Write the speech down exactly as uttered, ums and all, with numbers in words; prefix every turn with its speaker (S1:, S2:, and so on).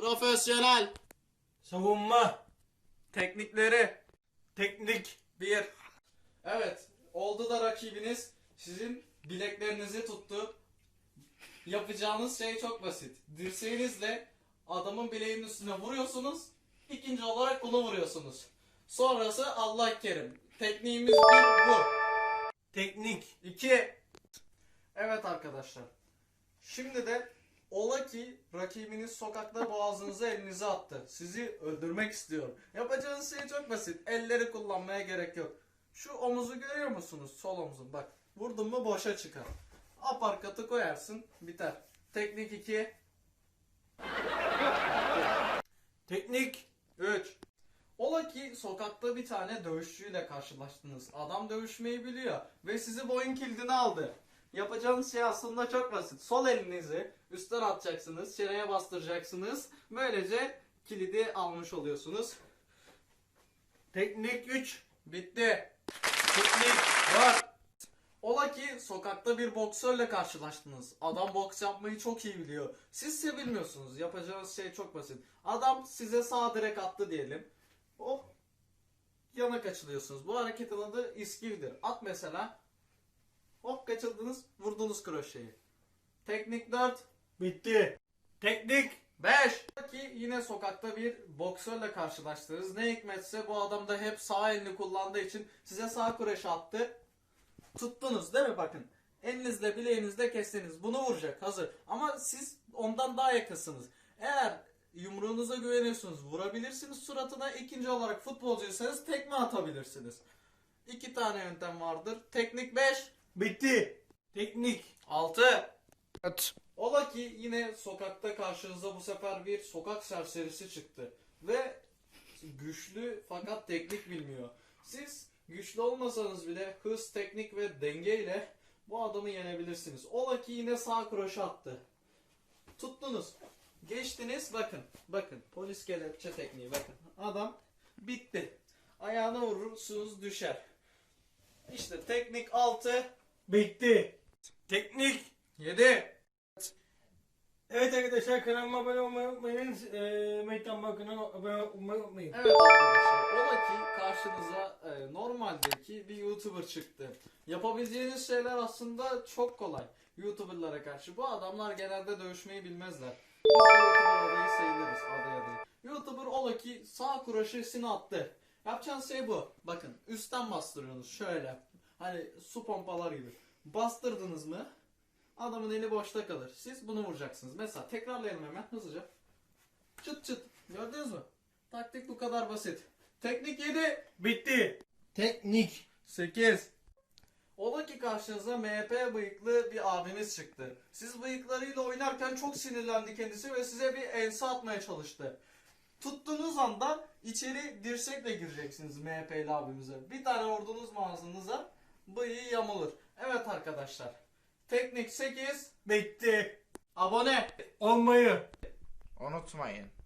S1: Profesyonel.
S2: Savunma.
S3: Teknikleri.
S2: Teknik.
S3: Bir.
S1: Evet. Oldu da rakibiniz sizin bileklerinizi tuttu. Yapacağınız şey çok basit. Dirseğinizle adamın bileğinin üstüne vuruyorsunuz. İkinci olarak bunu vuruyorsunuz. Sonrası Allah kerim. Tekniğimiz bir bu.
S2: Teknik.
S1: İki. Evet arkadaşlar. Şimdi de ola ki rakibiniz sokakta boğazınıza elinizi attı. Sizi öldürmek istiyor. Yapacağınız şey çok basit. Elleri kullanmaya gerek yok. Şu omuzu görüyor musunuz? Sol omuzun. Bak. Vurdun mu boşa çıkar. Aparkatı koyarsın. Biter. Teknik iki.
S2: Teknik.
S1: üç. Ola ki sokakta bir tane dövüşçüyle karşılaştınız. Adam dövüşmeyi biliyor ve sizi boyun kilidine aldı. Yapacağınız şey aslında çok basit. Sol elinizi üstten atacaksınız, çeneye bastıracaksınız. Böylece kilidi almış oluyorsunuz.
S2: Teknik üç.
S1: Bitti.
S2: Teknik.
S1: Var. Ola ki sokakta bir boksörle karşılaştınız. Adam boks yapmayı çok iyi biliyor. Siz ise bilmiyorsunuz. Yapacağınız şey çok basit. Adam size sağ direk attı diyelim. Hop. Yana kaçılıyorsunuz. Bu hareketin adı iskivdir. At mesela. Hop kaçırdınız. Vurdunuz kroşeyi. Teknik dört.
S2: Bitti. Teknik.
S1: beş. Ki yine sokakta bir boksörle karşılaştınız. Ne hikmetse bu adam da hep sağ elini kullandığı için size sağ kroşe attı. Tuttunuz değil mi bakın. Elinizle bileğinizle kestiniz. Bunu vuracak hazır. Ama siz ondan daha yakınsınız. Eğer yumruğunuza güveniyorsunuz vurabilirsiniz suratına. İkinci olarak futbolcuysanız tekme atabilirsiniz. İki tane yöntem vardır. Teknik beş.
S2: Bitti. Teknik.
S1: altı.
S3: Evet.
S1: Ola ki yine sokakta karşınıza bu sefer bir sokak serserisi çıktı. Ve güçlü fakat teknik bilmiyor. Siz güçlü olmasanız bile hız, teknik ve denge ile bu adamı yenebilirsiniz. Ola ki yine sağ kroşe attı. Tuttunuz. Geçtiniz bakın. Bakın polis kelepçe tekniği bakın. Adam bitti. Ayağına vurursunuz düşer. İşte teknik altı.
S2: Bitti. Teknik.
S1: yedi.
S2: Evet arkadaşlar, kanalıma abone olmayı unutmayın. Eee Meytan Bakın'a abone olmayı unutmayın.
S1: Evet arkadaşlar, ola ki karşınıza e, normaldeki bir YouTuber çıktı. Yapabileceğiniz şeyler aslında çok kolay. YouTuber'lara karşı. Bu adamlar genelde dövüşmeyi bilmezler. Biz de YouTuber adayı sayılırız, aday adayı. YouTuber ola ki sağ kroşesini attı. Yapacağınız şey bu. Bakın üstten bastırıyorsunuz şöyle. Hani su pompalar gibi. Bastırdınız mı adamın eli boşta kalır. Siz bunu vuracaksınız. Mesela tekrarlayalım hemen hızlıca. Çıt çıt. Gördünüz mü? Taktik bu kadar basit. Teknik yedi.
S2: Bitti. Teknik.
S1: sekiz. Ola ki karşınıza M H P bıyıklı bir abimiz çıktı. Siz bıyıklarıyla oynarken çok sinirlendi kendisi ve size bir ense atmaya çalıştı. Tuttuğunuz anda içeri dirsekle gireceksiniz M H P'li abimize. Bir tane vurdunuz mu ağzınıza bıyığı yamulur. Evet arkadaşlar. Teknik sekiz.
S2: Bitti.
S1: Abone
S2: Olmayı
S3: Unutmayın.